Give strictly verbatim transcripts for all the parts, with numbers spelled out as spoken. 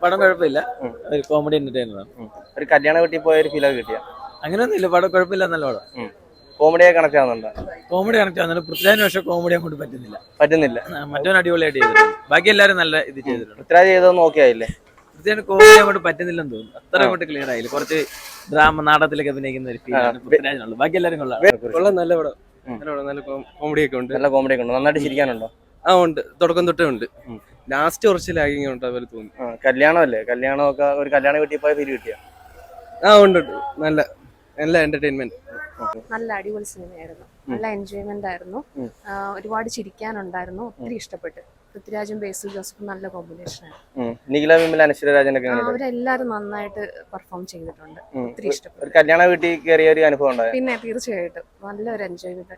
പടം കുഴപ്പമില്ല, ഒരു കോമഡി എന്റർടൈനർ ആണ്. ഒരു കല്യാണ വീട്ടിൽ പോയ ഒരു ഫീലൊക്കെ കിട്ടിയ അങ്ങനെയൊന്നും ഇല്ല, പടം കുഴപ്പമില്ല, നല്ല പടം. കോമഡിയെ കണക്ട് ആവുന്നുണ്ടോ? കോമഡി കണക്ട് ആവുന്നുണ്ട്. പൃഥ്വിരാജിന് പക്ഷെ കോമഡി അങ്ങോട്ട് പറ്റുന്നില്ല പറ്റുന്നില്ല. മറ്റവൻ അടിപൊളിയായിട്ട് ചെയ്തിട്ടുണ്ട്, ബാക്കി എല്ലാവരും നല്ല ഇത് ചെയ്തിട്ടുണ്ട്. പൃഥ്വിരാജ് ചെയ്തതൊന്നും ഓക്കെ ആയില്ലേ? പൃഥ്വിരാജിന് കോമഡി അങ്ങോട്ട് പറ്റുന്നില്ലെന്ന് തോന്നുന്നു, അത്ര അങ്ങോട്ട് ക്ലിയർ ആയില്ല. കുറച്ച് ഡ്രാമ നാടകത്തിലൊക്കെ അഭിനയിക്കുന്ന ഒരു ഫീലാണ് പൃഥ്വിരാജിനുള്ളത്, ബാക്കി എല്ലാവരും കൊള്ളാം. നല്ല പടം, നല്ല കോമഡി ഒക്കെ ഉണ്ട്. നല്ല കോമഡി ഒക്കെ ഉണ്ട്. നന്നായിട്ട് ചിരിക്കാനുണ്ടോ? ആ ഉണ്ട്, തുടക്കം തൊട്ടേ ഉണ്ട്. ലാസ്റ്റ് കുറച്ച് ലാഗിങ് ഉണ്ട് അതുപോലെ തോന്നി. കല്യാണമല്ലേ, കല്യാണമൊക്കെ ഒരു കല്യാണ വീട്ടിൽ പോയ ഫീൽ കിട്ടിയ? ആ ഉണ്ട്, നല്ല നല്ല എന്റർടൈൻമെന്റ്. നല്ല അടിപൊളി സിനിമയായിരുന്നു, നല്ല എൻജോയ്മെന്റ് ആയിരുന്നു, ഒരുപാട് ചിരിക്കാനുണ്ടായിരുന്നു, ഒത്തിരി ഇഷ്ടപ്പെട്ടു. പൃഥ്വിരാജും ബേസിൽ ജോസഫും നല്ല കോമ്പിനേഷൻ ആയിരുന്നു. നിഖില വിമൽ, അനശ്വര രാജനൊക്കെ അവരെല്ലാരും നന്നായിട്ട് പെർഫോം ചെയ്തിട്ടുണ്ട്, ഒത്തിരി ഇഷ്ടപ്പെട്ടു. കല്യാണ വീട്ടിൽ കയറിയ ഒരു അനുഭവം ഉണ്ടായോ? പിന്നെ തീർച്ചയായിട്ടും നല്ലൊരു എൻജോയ്മെന്റ്.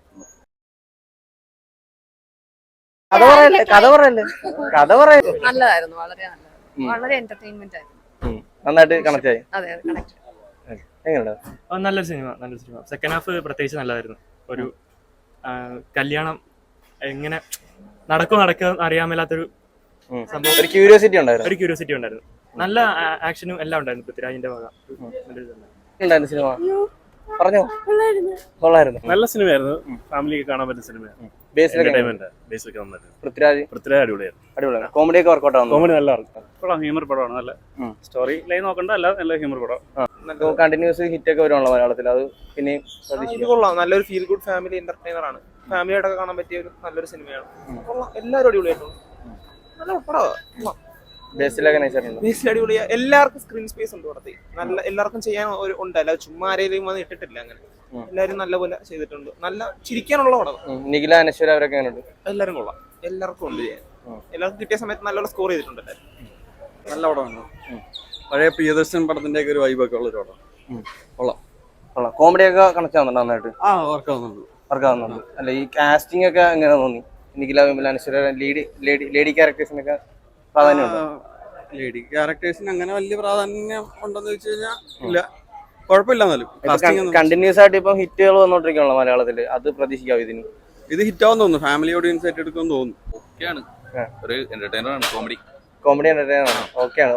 കഥ പറയല്ലേ കഥ പറയല്ലേ കഥ പറയല്ലേ നല്ലതായിരുന്നു, വളരെ നല്ലതായിരുന്നു, വളരെ എന്റർടൈൻമെന്റ് ആയിരുന്നു. നന്നായിട്ട് കണക്ട് ആയി. അതെ അതെ കണക്ട്. നല്ലൊരു സിനിമ, നല്ലൊരു സിനിമ. സെക്കൻഡ് ഹാഫ് പ്രത്യേകിച്ച് നല്ലതായിരുന്നു. ഒരു കല്യാണം എങ്ങനെ നടക്കും നടക്കുക അറിയാൻ മേലാത്തൊരു സംഭവം, ഒരു ക്യൂരിയോസിറ്റി ഉണ്ടായിരുന്നു. ഒരു ക്യൂരിയോസിറ്റി ഉണ്ടായിരുന്നു. നല്ല ആക്ഷനും എല്ലാം ഉണ്ടായിരുന്നു പൃഥ്വിരാജിന്റെ വക. സിനിമ പറഞ്ഞോ, കൊള്ളായിരുന്നു. നല്ല സിനിമയായിരുന്നു, ഫാമിലിക്ക് കാണാൻ പറ്റുന്ന സിനിമയാണ്. പൃഥ്വിരാജ് പൃഥ്വിരാജ് അടിപൊളിയായിരുന്നു, അടിപൊളിയാണ്. കോമഡി ഒക്കെ വർക്കൗട്ട് ആവുന്നു. കോമഡി നല്ല കൊള്ളാം, ഹ്യൂമർ പടമാണ്. നല്ല സ്റ്റോറി ലൈൻ നോക്കണ്ട, അല്ല നല്ല ഹ്യൂമർ പടം. കണ്ടിന്യൂസ് ഹിറ്റ് ഒക്കെ വരുവാണല്ലോ മലയാളത്തിൽ, അത് പിന്നെ കൊള്ളാം. നല്ലൊരു ഫീൽ ഗുഡ് ഫാമിലി എന്റർടൈനർ ആണ്, ഫാമിലിയായിട്ടൊക്കെ കാണാൻ പറ്റിയ ഒരു നല്ലൊരു സിനിമയാണ്. കൊള്ളാം, എല്ലാവരും അടിപൊളിയായിട്ടുണ്ട്, നല്ല പടമാണ്. ബേസിലൊക്കെ നൈസായിട്ടുണ്ട്. ബേസിൽ അടിപൊളിയാ, എല്ലാവർക്കും സ്ക്രീൻ സ്പേസ് ഉണ്ട് പടത്തിൽ, നല്ല എല്ലാവർക്കും ചെയ്യാൻ ഒരു ഉണ്ട്, അല്ല ചുമ്മാ ആരെയും വന്ന് ഇട്ടിട്ടില്ല. അങ്ങനെ എല്ലാവരും നല്ലപോലെ ചെയ്തിട്ടുണ്ട്, നല്ല ചിരിക്കാനുള്ള പടം. നിഖില, അനശ്വര അവരൊക്കെ എങ്ങനെയുണ്ട്? എല്ലാവരും കൊള്ളാം, എല്ലാവർക്കും ഉണ്ട് ചെയ്യാൻ, എല്ലാവർക്കും കിട്ടിയ സമയത്ത് നല്ലോണം സ്കോർ ചെയ്തിട്ടുണ്ട് എല്ലാവരും. നല്ല പടമാണ്, പഴയ പ്രിയദർശൻ പടത്തിന്റെ ഒക്കെ ഒരു വൈബൊക്കെ ഉള്ള ഒരു പടം. കൊള്ളാം കൊള്ളാം. കോമഡി ഒക്കെ കണക്ട് ആവുന്നുണ്ട് നന്നായിട്ട്? ആ വർക്ക് ആവുന്നുണ്ട്, വർക്ക് ആവുന്നുണ്ട്. അല്ല, ഈ കാസ്റ്റിംഗ് ഒക്കെ എങ്ങനെ തോന്നി? Nikhila Vimal, Anaswara, lead lady lady ക്യാരക്ടേഴ്സിനൊക്കെ പ്രാധാന്യമുണ്ടോ? ലേഡി ക്യാരക്ടേഴ്സിന് അങ്ങനെ വലിയ പ്രാധാന്യം ഉണ്ടെന്ന് വെച്ച് കഴിഞ്ഞാൽ ഇല്ല, കുഴപ്പമില്ല. എന്നാലും കണ്ടിന്യൂസ് ആയിട്ട് ഇപ്പം ഹിറ്റുകൾ വന്നോണ്ടിരിക്കണല്ലോ മലയാളത്തില്, അത് പ്രതീക്ഷിക്കാവോ ഇതിന്? ഇത് ഹിറ്റാവും തോന്നുന്നു, ഫാമിലി ഓഡിയൻസ് ആയിട്ട് എടുക്കുമെന്ന് തോന്നുന്നു. ഓക്കെയാണ്, ഒരു എന്റർടൈനർ ആണ്, കോമഡി കോമഡി എന്റർടൈനർ ആണ്. ഓക്കെയാണ്,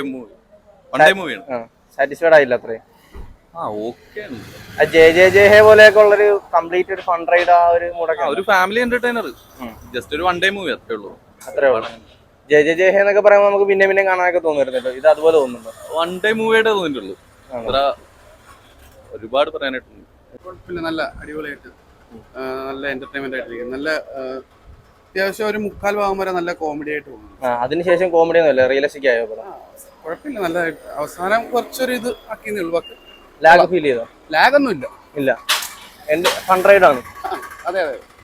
സാറ്റിസ്ഫൈഡ് ആയില്ല അത്രയും. ജെ ജെ ജെ ഹേ പോലെയൊക്കെ ഉള്ളൊരു കംപ്ലീറ്റ് ഒരു ഫൺ റൈഡ്, ആ ഒരു മൂടൊക്കെ, ഒരു ഫാമിലി എന്റർടൈനർ, ജസ്റ്റ് ഒരു വൺ ഡേ മൂവി അത്രേ ഉള്ളൂ. അത്രേ ഉള്ളൂ. ജെ ജെ ജെ ഹേ എന്നൊക്കെ പറയുമ്പോൾ നമുക്ക് പിന്നെ പിന്നെ കാണാനൊക്കെ തോന്നുന്നുണ്ടല്ലോ, ഇത് അതുപോലെ തോന്നുന്നുണ്ടോ? വൺ ഡേ മൂവിയായിട്ടേ തോന്നിയിട്ടുള്ളൂ, അത്ര ഒരുപാട് പറയാനായിട്ടുണ്ട്. കുഴപ്പമില്ല, നല്ല അടിപൊളിയായിട്ട് നല്ല എന്റർടൈൻമെന്റ് ആയിട്ടിരിക്കും. നല്ല അത്യാവശ്യം ഒരു മുക്കാൽ ഭാഗം വരെ നല്ല കോമഡി ആയിട്ട് പോകുന്നു. അതിനുശേഷം കോമഡി ഒന്നുമില്ല, റിയലിസ്റ്റിക് ആയോ? കുഴപ്പമില്ല, നല്ലതായിട്ട് അവസാനം കുറച്ചൊരു ഇത് ആക്കിയെന്നേ ഉള്ളൂ. ലാഗ് ഫീൽ ചെയ്തോ? ലാഗ് ഒന്നും ഇല്ല, ഇല്ല, ഫൺ റൈഡ് ആണ്. അതെ അതെ.